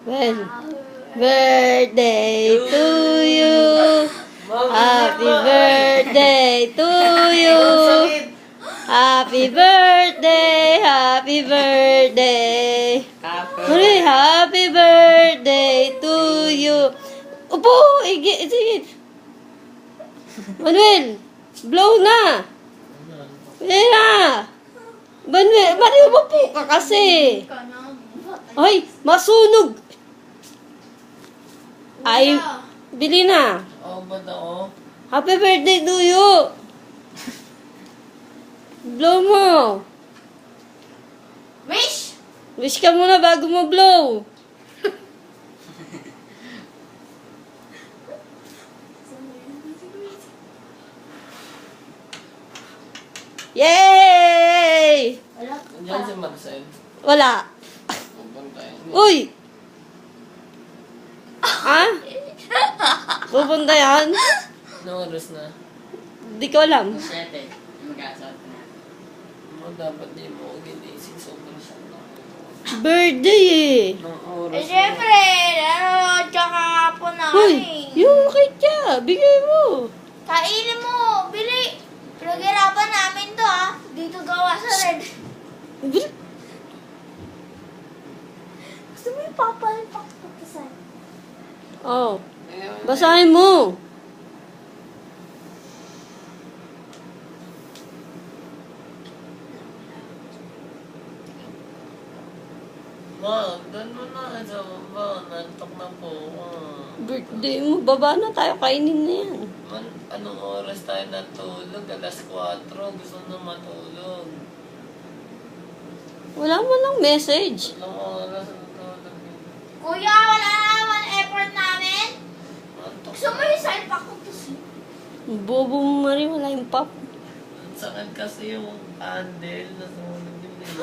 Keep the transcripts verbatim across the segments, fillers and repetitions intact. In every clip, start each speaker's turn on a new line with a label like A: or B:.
A: Well, birthday to you. Happy birthday to you. Happy birthday, happy birthday. Hooray, happy birthday to you. Upo, igi, sige. Manuel, blow na. Pwede na. Manuel, Manuel, upo ka kasi. Ay, masunog. Ay, bili na.
B: Oo ba na oh?
A: Happy birthday to you. Blow mo.
C: Wish!
A: Wish ka muna bago mo blow. Yay!
C: Wala
B: Nandiyan si Marcel.
A: Wala.
B: Pupuntahin.
A: Uy! Ha? Pupunta yan?
B: Anong oras na?
A: Di ko alam.
D: Siyete. Mag-aasal na.
B: Mo dapat di mo ginising sobrang siya na.
A: Birthday eh.
B: Anong
C: Eh,
B: oras na?
C: syempre, ano, tsaka po na
A: Uy!
C: eh.
A: Yung kay Tia, bigay mo.
C: Kainin mo, bili. Pinaghirapan namin to ah. Dito gawa sa red.
A: Bil-
C: Gusto mo yung papalpak pagkasan?
A: Oh, basahin mo.
B: Ma, doon mo na sa baba. Nantok na po. Ah.
A: Birthday mo, baba na tayo, kainin na yan.
B: Man, anong oras tayo natulog? Alas kwatro. Gusto na matulog.
A: Wala mo lang message.
B: Anong oras natulog?
C: Kuya, wala naman effort namin.
B: Nantok
C: Gusto mo yung salpak ko to si?
A: Bobo mo rin, wala yung pop.
B: Ang sakit kasi yung candle. Nasunog yung nila.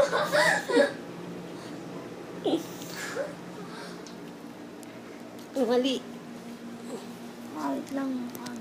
A: Ang mali.
C: Wait lang.